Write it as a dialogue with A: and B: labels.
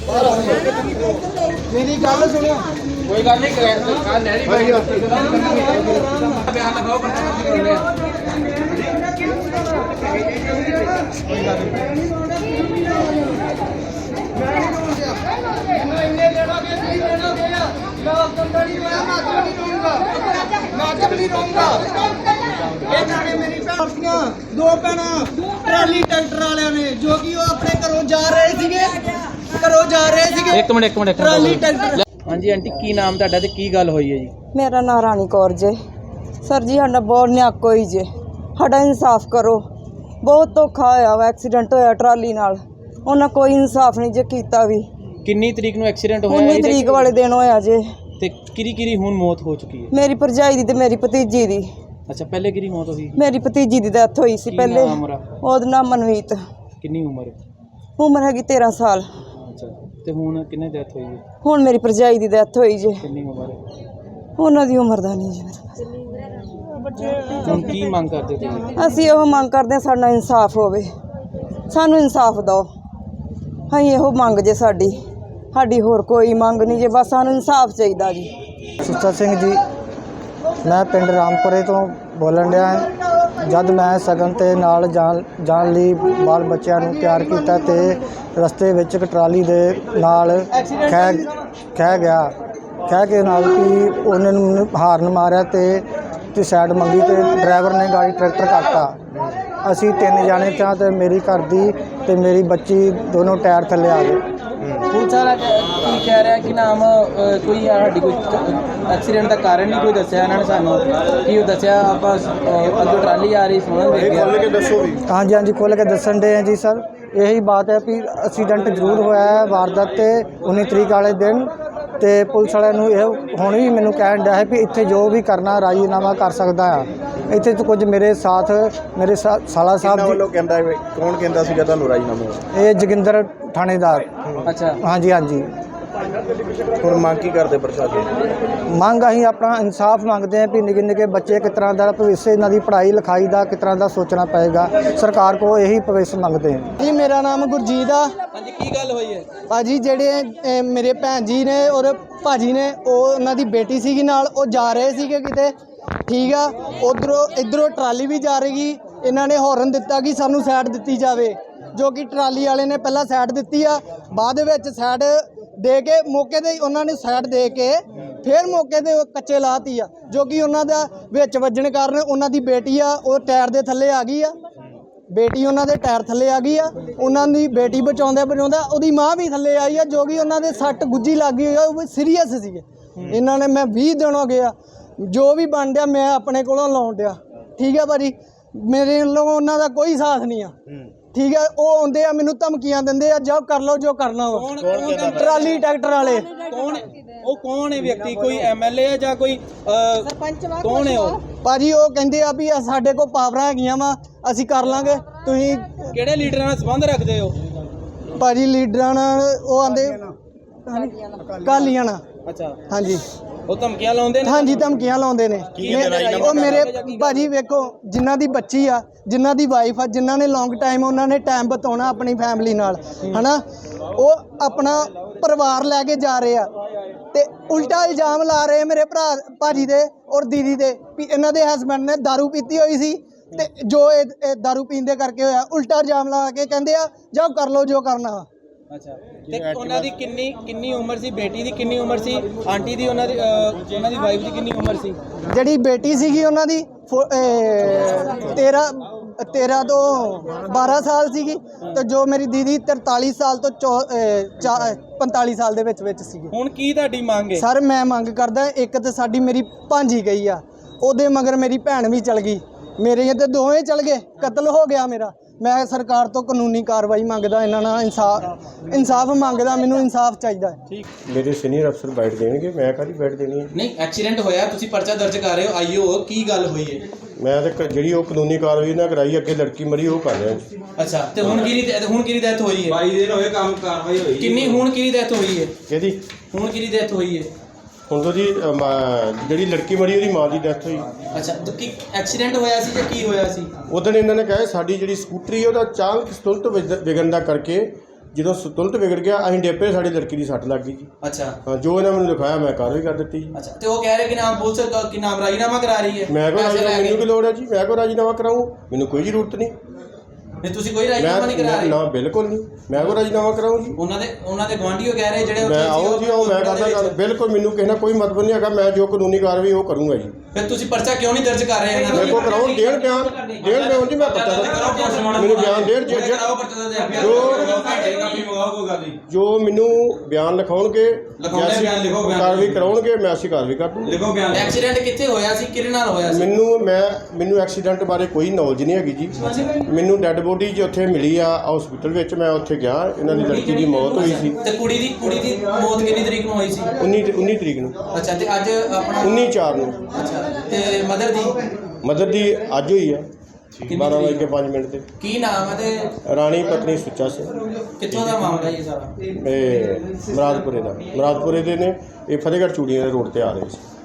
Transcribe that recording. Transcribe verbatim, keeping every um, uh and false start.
A: मेरी गल सुनो,
B: कोई गल नहीं कल नहरी भाई बयान लगाओ
A: दो भैन ट्राली ट्रैक्टर वाले ने जो कि अपने घरों जा रहे थे घरों जा रहे थे
B: एक मिनट एक मिनट
A: ट्राली ट्रैक्टर।
B: हाँ जी आंटी की नाम ਤੁਹਾਡਾ ਤੇ ਕੀ ਗੱਲ ਹੋਈ ਹੈ ਜੀ?
C: मेरा नाम रानी कौर जे। सर जी साडा बहुत न्याक होई जे, साडा इंसाफ करो। बहुत धोखा होया वा, एक्सीडेंट होया ट्राली नाल, उन्हें कोई इंसाफ नहीं जे कीता भी।
B: ਕਿੰਨੀ ਤਰੀਕ ਨੂੰ ਐਕਸੀਡੈਂਟ ਹੋਇਆ
C: उन्नी तरीक वाले दिन होया जे।
B: ਤੇ ਕਿਰੀ ਕਿਰੀ ਹੁਣ ਮੌਤ ਹੋ ਚੁੱਕੀ ਹੈ?
C: मेरी भरजाई दी ते मेरी भतीजी दी।
B: ਅੱਛਾ ਪਹਿਲੇ ਕਿਰੀ ਮੌਤ ਹੋਈ?
C: मेरी भतीजी दी डेथ होई सी पहले। ओहदा नाम मनमीत।
B: ਕਿੰਨੀ ਉਮਰ?
C: उम्र हैगी तेरह साल।
B: ਅੱਛਾ ਤੇ ਹੁਣ ਕਿੰਨੇ ਡੈਥ ਹੋਈ ਹੈ?
C: हुण मेरी भरजाई दी डेथ होई जे।
B: ਕਿੰਨੀ ਉਮਰ ਹੈ?
C: उन्हां दी उम्र दा नहीं जी।
B: ਹੁਣ ਕੀ ਮੰਗ ਕਰਦੇ ਤੁਸੀਂ?
C: ਅਸੀਂ ਇਹੋ ਮੰਗ ਕਰਦੇ ਹਾਂ ਸਾਡਾ ਇਨਸਾਫ ਹੋਵੇ, ਸਾਨੂੰ ਇਨਸਾਫ ਦਿਓ। ਅਸੀਂ ਇਹੋ ਮੰਗ ਜੇ ਸਾਡੀ ਸਾਡੀ ਹੋਰ ਕੋਈ ਮੰਗ ਨਹੀਂ ਜੇ, ਬਸ ਸਾਨੂੰ ਇਨਸਾਫ ਚਾਹੀਦਾ ਜੀ।
D: ਸੁੱਚਾ ਸਿੰਘ ਜੀ, ਮੈਂ ਪਿੰਡ ਰਾਮਪੁਰੇ ਤੋਂ ਬੋਲਣ ਡਿਆ ਹਾਂ। ਜਦ ਮੈਂ ਸਗਨ ਤੇ ਨਾਲ ਜਾਣ ਜਾਣ ਲਈ ਬਾਲ ਬੱਚਿਆਂ ਨੂੰ ਤਿਆਰ ਕੀਤਾ ਤੇ ਰਸਤੇ ਵਿੱਚ ਇੱਕ ਟਰਾਲੀ ਦੇ ਨਾਲ ਖਹਿ ਖਹਿ ਗਿਆ ਖਹਿ ਕੇ ਨਾਲ ਕਿ ਉਹਨਾਂ ਨੂੰ ਹਾਰਨ ਮਾਰਿਆ ਤੇ ਤੇ ਸਾਈਡ ਮੰਗੀ ਤੇ ਡਰਾਈਵਰ ਨੇ ਗਾੜੀ ਟਰੈਕਟਰ ਕੱਟਤਾ। ਅਸੀਂ ਤਿੰਨ ਜਾਣੇ ਤਾਂ ਤੇ ਮੇਰੀ ਘਰ ਦੀ ਤੇ ਮੇਰੀ ਬੱਚੀ ਦੋਨੋਂ ਟਾਇਰ ਥੱਲੇ ਆ ਗਏ।
B: ਪੁਲਿਸ ਵਾਲਾ ਕੀ ਕਹਿ ਰਿਹਾ ਕਿ ਨਾਮ ਕੋਈ ਸਾਡੀ ਕੋਈ ਐਕਸੀਡੈਂਟ ਦਾ ਕਾਰਨ ਨਹੀਂ ਕੋਈ ਦੱਸਿਆ ਇਹਨਾਂ ਨੇ ਸਾਨੂੰ? ਕੀ ਉਹ ਦੱਸਿਆ ਆਪਾਂ ਅੱਗੋਂ ਟਰਾਲੀ ਆ ਰਹੀ ਸੁਣਨ ਦੇ ਗਿਆ?
D: ਹਾਂਜੀ ਹਾਂਜੀ ਖੁੱਲ੍ਹ ਕੇ ਦੱਸਣ ਦੇ ਆ ਜੀ ਸਰ। ਇਹੀ ਬਾਤ ਹੈ ਵੀ ਐਕਸੀਡੈਂਟ ਜ਼ਰੂਰ ਹੋਇਆ ਹੈ ਵਾਰਦਾਤ ਤੇ ਉੱਨੀ ਤਰੀਕ ਵਾਲੇ ਦਿਨ। ਤੇ ਪੁਲਿਸ ਵਾਲਿਆਂ ਨੂੰ ਇਹ ਹੁਣ ਵੀ ਮੈਨੂੰ ਕਹਿਣ ਡਿਆ ਹੈ ਵੀ ਇੱਥੇ ਜੋ ਵੀ ਕਰਨਾ ਰਾਜੀਨਾਮਾ ਕਰ ਸਕਦਾ ਆ। ਇੱਥੇ ਤੋਂ ਕੁਝ ਮੇਰੇ ਸਾਥ ਮੇਰੇ ਸਾ- ਸਾਲਾ ਸਾਹਿਬ ਜੀ
E: ਵੱਲੋਂ ਕਹਿੰਦਾ ਕੌਣ ਕਹਿੰਦਾ ਸੀਗਾ ਤੁਹਾਨੂੰ ਰਾਜੀਨਾਮਾ?
D: ਇਹ ਜੋਗਿੰਦਰ ਥਾਣੇਦਾਰ।
B: ਅੱਛਾ
D: ਹਾਂਜੀ ਹਾਂਜੀ।
E: ਹੁਣ ਮੰਗ ਕੀ ਕਰਦੇ ਪ੍ਰਸ਼ਾਸਨ?
D: ਮੰਗ ਅਸੀਂ ਆਪਣਾ ਇਨਸਾਫ ਮੰਗਦੇ ਹਾਂ ਵੀ ਨਿੱਕੇ ਨਿੱਕੇ ਬੱਚੇ ਕਿਸ ਤਰ੍ਹਾਂ ਦਾ ਭਵਿੱਖ ਇਹਨਾਂ ਦੀ ਪੜ੍ਹਾਈ ਲਿਖਾਈ ਦਾ ਕਿਸ ਤਰ੍ਹਾਂ ਦਾ ਸੋਚਣਾ ਪਏਗਾ। ਸਰਕਾਰ ਕੋਲ ਇਹੀ ਭਵਿੱਖ ਮੰਗਦੇ ਹਾਂ
A: ਜੀ। ਮੇਰਾ ਨਾਮ ਗੁਰਜੀਤ ਆ।
B: ਹਾਂਜੀ ਕੀ ਗੱਲ ਹੋਈ ਹੈ
A: ਭਾਜੀ ਜਿਹੜੇ ਅਹ, ਮੇਰੇ ਭੈਣ ਜੀ ਨੇ ਔਰ ਭਾਜੀ ਨੇ, ਉਹ ਉਹਨਾਂ ਦੀ ਬੇਟੀ ਸੀਗੀ ਨਾਲ, ਉਹ ਜਾ ਰਹੇ ਸੀਗੇ ਕਿਤੇ, ਠੀਕ ਆ। ਉਧਰੋਂ ਇਧਰੋਂ ਟਰਾਲੀ ਵੀ ਜਾ ਰਹੀ। ਇਹਨਾਂ ਨੇ ਹੌਰਨ ਦਿੱਤਾ ਕਿ ਸਾਨੂੰ ਸਾਈਡ ਦਿੱਤੀ ਜਾਵੇ, ਜੋ ਕਿ ਟਰਾਲੀ ਵਾਲੇ ਨੇ ਪਹਿਲਾਂ ਸਾਈਡ ਦਿੱਤੀ ਆ, ਬਾਅਦ ਵਿੱਚ ਸਾਈਡ ਦੇ ਕੇ ਮੌਕੇ 'ਤੇ ਉਹਨਾਂ ਨੇ ਸਾਈਡ ਦੇ ਕੇ ਫਿਰ ਮੌਕੇ 'ਤੇ ਕੱਚੇ ਲਾਤੀ ਆ, ਜੋ ਕਿ ਉਹਨਾਂ ਦਾ ਵਿੱਚ ਵੱਜਣ ਕਾਰਨ ਉਹਨਾਂ ਦੀ ਬੇਟੀ ਆ ਉਹ ਟਾਇਰ ਦੇ ਥੱਲੇ ਆ ਗਈ ਆ। ਬੇਟੀ ਉਹਨਾਂ ਦੇ ਟਾਇਰ ਥੱਲੇ ਆ ਗਈ ਆ। ਉਹਨਾਂ ਦੀ ਬੇਟੀ ਬਚਾਉਂਦਾ ਬਚਾਉਂਦਾ ਉਹਦੀ ਮਾਂ ਵੀ ਥੱਲੇ ਆਈ ਆ, ਜੋ ਕਿ ਉਹਨਾਂ ਦੇ ਸੱਟ ਗੁੱਜੀ ਲੱਗ ਗਈ ਆ, ਉਹ ਸੀਰੀਅਸ ਸੀਗੇ। ਇਹਨਾਂ ਨੇ ਮੈਂ ਵੀਹ ਦਿਨ ਹੋ ਗਏ ਆ, ਜੋ ਵੀ ਬਣ ਡਿਆ ਮੈਂ ਆਪਣੇ ਕੋਲੋਂ ਲਾਉਣ ਡਿਆ, ਠੀਕ ਆ ਭਾਜੀ। ਮੇਰੇ ਵੱਲੋਂ ਉਹਨਾਂ ਦਾ ਕੋਈ ਸਾਥ ਨਹੀਂ ਆ, ਠੀਕ ਹੈ। ਉਹ ਆਉਂਦੇ ਆ ਮੈਨੂੰ ਧਮਕੀਆਂ ਦਿੰਦੇ ਆ, ਜਾਓ ਕਰ ਲਓ ਜੋ ਕਰਨਾ ਵਾ। ਟਰਾਲੀ ਟਰੈਕਟਰ ਵਾਲੇ
B: ਕੌਣ? ਉਹ ਕੌਣ ਹੈ ਵਿਅਕਤੀ? ਕੋਈ ਐਮਐਲਏ ਹੈ ਜਾਂ ਕੋਈ ਸਰਪੰਚ? ਕੌਣ ਹੈ ਉਹ
A: ਭਾਜੀ? ਉਹ ਕਹਿੰਦੇ ਆ ਵੀ ਸਾਡੇ ਕੋਲ ਪਾਵਰਾਂ ਹੈਗੀਆਂ ਵਾ, ਅਸੀਂ ਕਰ ਲਾਂਗੇ। ਤੁਸੀਂ
B: ਕਿਹੜੇ ਲੀਡਰਾਂ ਨਾਲ ਸੰਬੰਧ ਰੱਖਦੇ ਹੋ
A: ਭਾਜੀ? ਲੀਡਰਾਂ ਨਾਲ ਉਹ ਆਂਦੇ ਕਾਲੀਆਂ ਨਾਲ।
B: ਅੱਛਾ
A: ਹਾਂਜੀ
B: ਉਹ ਧਮਕੀਆਂ ਲਾਉਂਦੇ ਨੇ?
A: ਹਾਂਜੀ ਧਮਕੀਆਂ ਲਾਉਂਦੇ ਨੇ। ਉਹ ਮੇਰੇ ਭਾਜੀ ਵੇਖੋ, ਜਿਨ੍ਹਾਂ ਦੀ ਬੱਚੀ ਆ, ਜਿਨ੍ਹਾਂ ਦੀ ਵਾਈਫ ਆ, ਜਿਨ੍ਹਾਂ ਨੇ ਲੌਂਗ ਟਾਈਮ ਉਹਨਾਂ ਨੇ ਟਾਈਮ ਬਿਤਾਉਣਾ ਆਪਣੀ ਫੈਮਿਲੀ ਨਾਲ, ਹਨਾ, ਉਹ ਆਪਣਾ ਪਰਿਵਾਰ ਲੈ ਕੇ ਜਾ ਰਹੇ ਆ ਤੇ ਉਲਟਾ ਇਲਜ਼ਾਮ ਲਾ ਰਹੇ ਮੇਰੇ ਭਰਾ ਭਾਜੀ ਦੇ ਔਰ ਦੀਦੀ ਦੇ ਵੀ ਇਹਨਾਂ ਦੇ ਹਸਬੈਂਡ ਨੇ ਦਾਰੂ ਪੀਤੀ ਹੋਈ ਸੀ ਤੇ ਜੋ ਇਹ ਦਾਰੂ ਪੀਣ ਦੇ ਕਰਕੇ ਹੋਇਆ। ਉਲਟਾ ਇਲਜ਼ਾਮ ਲਾ ਕੇ ਕਹਿੰਦੇ ਆ ਜਾਓ ਕਰ ਲਓ ਜੋ ਕਰਨਾ ਵਾ।
B: ਅੱਛਾ ਤੇ ਉਹਨਾਂ ਦੀ ਕਿੰਨੀ ਕਿੰਨੀ ਉਮਰ ਸੀ? ਬੇਟੀ ਦੀ ਕਿੰਨੀ ਉਮਰ ਸੀ? ਆਂਟੀ ਦੀ ਉਹਨਾਂ ਦੀ ਉਹਨਾਂ ਦੀ ਵਾਈਫ ਦੀ ਕਿੰਨੀ ਉਮਰ ਸੀ?
A: ਜਿਹੜੀ ਬੇਟੀ ਸੀਗੀ ਉਹਨਾਂ ਦੀ ਤੇਰ੍ਹਾਂ ਤੇਰ੍ਹਾਂ ਤੋਂ ਬਾਰਾਂ ਸਾਲ ਸੀਗੀ ਤੇ ਜੋ ਮੇਰੀ ਦੀਦੀ ਤਰਤਾਲੀ ਸਾਲ ਤੋਂ ਪੰਤਾਲੀ ਸਾਲ ਦੇ ਵਿੱਚ ਵਿੱਚ ਸੀਗੀ।
B: ਹੁਣ ਕੀ ਤੁਹਾਡੀ ਮੰਗ ਹੈ?
A: ਸਰ ਮੈਂ ਮੰਗ ਕਰਦਾ, ਇੱਕ ਤਾਂ ਸਾਡੀ ਮੇਰੀ ਭਾਂਜੀ ਗਈ ਆ, ਉਹਦੇ ਮਗਰ ਮੇਰੀ ਭੈਣ ਵੀ ਚਲ ਗਈ, ਮੇਰੇ ਤੇ ਦੋਵੇਂ ਚਲ ਗਏ, ਕਤਲ ਹੋ ਗਿਆ ਮੇਰਾ। ਮੈਂ ਸਰਕਾਰ ਤੋਂ ਕਾਨੂੰਨੀ ਕਾਰਵਾਈ ਮੰਗਦਾ, ਇਹਨਾਂ ਨਾਲ ਇਨਸਾਫ ਇਨਸਾਫ ਮੰਗਦਾ, ਮੈਨੂੰ ਇਨਸਾਫ ਚਾਹੀਦਾ ਹੈ।
B: ਠੀਕ,
E: ਮੇਰੇ ਸੀਨੀਅਰ ਅਫਸਰ ਬੈਠ ਦੇਣਗੇ, ਮੈਂ ਕਾਹਦੀ ਬੈਠ ਦੇਣੀ ਹੈ?
B: ਨਹੀਂ ਐਕਸੀਡੈਂਟ ਹੋਇਆ, ਤੁਸੀਂ ਪਰਚਾ ਦਰਜ ਕਰ ਰਹੇ ਹੋ, ਆਈਓ ਕੀ ਗੱਲ ਹੋਈ ਹੈ?
E: ਮੈਂ ਤਾਂ ਜਿਹੜੀ ਉਹ ਕਾਨੂੰਨੀ ਕਾਰਵਾਈ ਨਾ ਕਰਾਈ, ਅੱਗੇ ਲੜਕੀ ਮਰੀ ਉਹ ਕਰ ਰਿਹਾ।
B: ਅੱਛਾ ਤੇ ਹੁਣ ਕਿਹਦੀ ਹੁਣ ਕਿਹਦੀ ਡੈਥ ਹੋਈ ਹੈ?
F: ਬਾਈ ਦਿਨ ਹੋਏ ਕੰਮ ਕਾਰਵਾਈ ਹੋਈ
B: ਕਿੰਨੀ ਹੁਣ ਕਿਹਦੀ ਡੈਥ ਹੋਈ ਹੈ?
E: ਕਿਹਦੀ
B: ਹੁਣ ਕਿਹਦੀ ਡੈਥ ਹੋਈ ਹੈ?
E: ਹੁਣ ਤੋਂ ਜੀ ਜਿਹੜੀ ਲੜਕੀ ਮਰੀ ਉਹਦੀ ਮਾਂ ਦੀ ਡੈਥ ਹੋਈ।
B: ਅੱਛਾ ਤੇ ਕੀ ਐਕਸੀਡੈਂਟ ਹੋਇਆ ਸੀ ਜਾਂ ਕੀ ਹੋਇਆ ਸੀ?
E: ਉਦੋਂ ਇਹਨਾਂ ਨੇ ਕਿਹਾ ਸਾਡੀ ਜਿਹੜੀ ਸਕੂਟਰੀ ਉਹਦਾ ਚਾਲਕ ਸਤੁਲਤ ਵਿਗੜਨ ਦਾ ਕਰਕੇ ਜਦੋਂ ਸ- ਤੁਰੰਤ ਵਿਗੜ ਗਿਆ ਅਸੀਂ ਡੇਪੇ ਸਾਡੀ ਲੜਕੀ ਦੀ ਸੱਟ ਲੱਗ ਗਈ ਜੀ।
B: ਅੱਛਾ
E: ਹਾਂ, ਜੋ ਇਹਨਾਂ ਮੈਨੂੰ ਲਿਖਾਇਆ ਮੈਂ ਕਾਰਵਾਈ ਕਰ ਦਿੱਤੀ ਜੀ।
B: ਅੱਛਾ ਤੇ ਉਹ ਕਹਿ ਰਹੇ ਕਿ ਨਾਮ ਪੁਲਿਸ ਕ- ਕਿ ਨਾਮ ਰਾਜੀਨਾਮਾ ਕਰਾ ਰਹੀ ਹੈ
E: ਮੈਂ ਕੋ
B: ਪੈਸੇ
E: ਰਾਜੀਨਾਮਾ
B: ਲੈ ਕੇ।
E: ਮੈਨੂੰ ਕੀ ਲੋੜ ਹੈ ਜੀ, ਮੈਂ ਕੋ ਰਾਜੀਨਾਮਾ ਕਰਾऊं, ਮੈਨੂੰ ਕੋਈ ਜ਼ਰੂਰਤ ਨਹੀਂ।
B: ਨਹੀਂ ਤੁਸੀਂ ਕੋਈ ਰਾਜੀਨਾਮਾ ਨਹੀਂ ਕਰਾ
E: ਮੈਂ
B: ਰਹੇ
E: ਨਾ ਬਿਲਕੁਲ ਨਹੀਂ, ਮੈਂ ਕੋ ਰਾਜੀਨਾਮਾ ਕਰਾऊं ਜੀ।
B: ਉਹਨਾਂ ਦੇ ਉਹਨਾਂ ਦੇ ਗੁਆਂਢੀਓ ਕਹਿ ਰਹੇ ਜਿਹੜੇ ਉੱਥੇ
E: ਮੈਂ
B: ਸੀ,
E: ਆਓ ਜੀ ਆਓ ਮੈਂ ਕਰਦਾ ਗੱਲ, ਬਿਲਕੁਲ ਮੈਨੂੰ ਕਿਸੇ ਨਾਲ ਕੋਈ ਮਤਲਬ ਨਹੀਂ ਹੈਗਾ। ਮੈਂ ਜੋ ਕਾਨੂੰਨੀ ਕਾਰਵਾਈ ਉਹ ਕਰੂੰਗਾ ਜੀ।
B: ਫਿਰ ਤੁਸੀਂ ਪਰਚਾ ਕਿਉਂ ਨਹੀਂ ਦਰਜ ਕਰ ਰਹੇ ਇਹਨਾਂ
E: ਮੇਰੇ ਕੋ ਕਰਾਉਣ ਦੇਣ ਬਿਆਨ ਦੇਣ ਬਿਆਨ ਜੀ, ਮੈਂ ਪਤਾ ਮੈਨੂੰ ਬਿਆਨ ਦੇਣ ਜੇ- ਜੇ- ਜੋ ਮੈਨੂੰ ਬਿਆਨ ਲਿਖਾਉਣਗੇ
B: ਲਿਖਾਉਣੇ ਬਿਆਨ ਲਿਖੋ, ਬਿਆਨ
E: ਕਾਰਵਾਈ ਕਰਾਉਣਗੇ, ਮੈਂ ਅਸੀਂ ਕਾਰਵਾਈ ਕਰ ਦੂੰਗਾ।
B: ਐਕਸੀਡੈਂਟ ਕਿੱਥੇ ਹੋਇਆ ਸੀ, ਕਿਹਦੇ ਨਾਲ ਹੋਇਆ ਸੀ?
E: ਮੈਨੂੰ ਮੈਂ ਮੈਨੂੰ ਐਕਸੀਡੈਂਟ ਬਾਰੇ ਕੋਈ ਨੌਲੇਜ ਨਹੀਂ ਹੈਗੀ ਜੀ। ਮੈਨੂੰ ਡੈੱਡ ਬੋਡੀ ਜੀ ਉੱਥੇ ਮਿਲੀ ਆ ਹਸਪੀਟਲ ਵਿੱਚ, ਮੈਂ ਉੱਥੇ ਗਿਆ, ਇਹਨਾਂ ਦੀ ਲੜਕੀ ਦੀ ਮੌਤ ਹੋਈ ਸੀ
B: ਤੇ ਕੁੜੀ ਦੀ ਕੁੜੀ ਦੀ ਮੌਤ ਕਿੰਨੀ ਤਰੀਕ ਨੂੰ ਹੋਈ ਸੀ?
E: ਉੱਨੀ ਉੱਨੀ ਤਰੀਕ ਨੂੰ,
B: ਅੱਛਾ ਤੇ ਅੱਜ ਆਪਣਾ
E: ਉੱਨੀ ਚਾਰ ਨੂੰ।
B: ਅੱਛਾ ਤੇ ਮਦਰ ਦੀ
E: ਮਦਰ ਦੀ ਅੱਜ ਹੋਈ ਆ ਬਾਰਾਂ ਵਜੇ ਕੇ ਪੰਜ ਮਿੰਟ ਤੇ।
B: ਕੀ ਨਾਮ ਹੈ ਤੇ
E: ਰਾਣੀ ਪਤਨੀ ਸੁੱਚਾ ਸਿੰਘ,
B: ਕਿੱਥੋਂ ਦਾ ਮਾਮਲਾ ਇਹ ਸਾਰਾ?
E: ਇਹ ਮੁਰਾਦਪੁਰੇ ਦਾ ਮੁਰਾਦਪੁਰੇ ਦੇ ਨੇ, ਇਹ ਫਤਿਹਗੜ੍ਹ ਚੂੜੀਆਂ ਦੇ ਰੋਡ ਤੇ ਆ ਰਹੇ ਸੀ।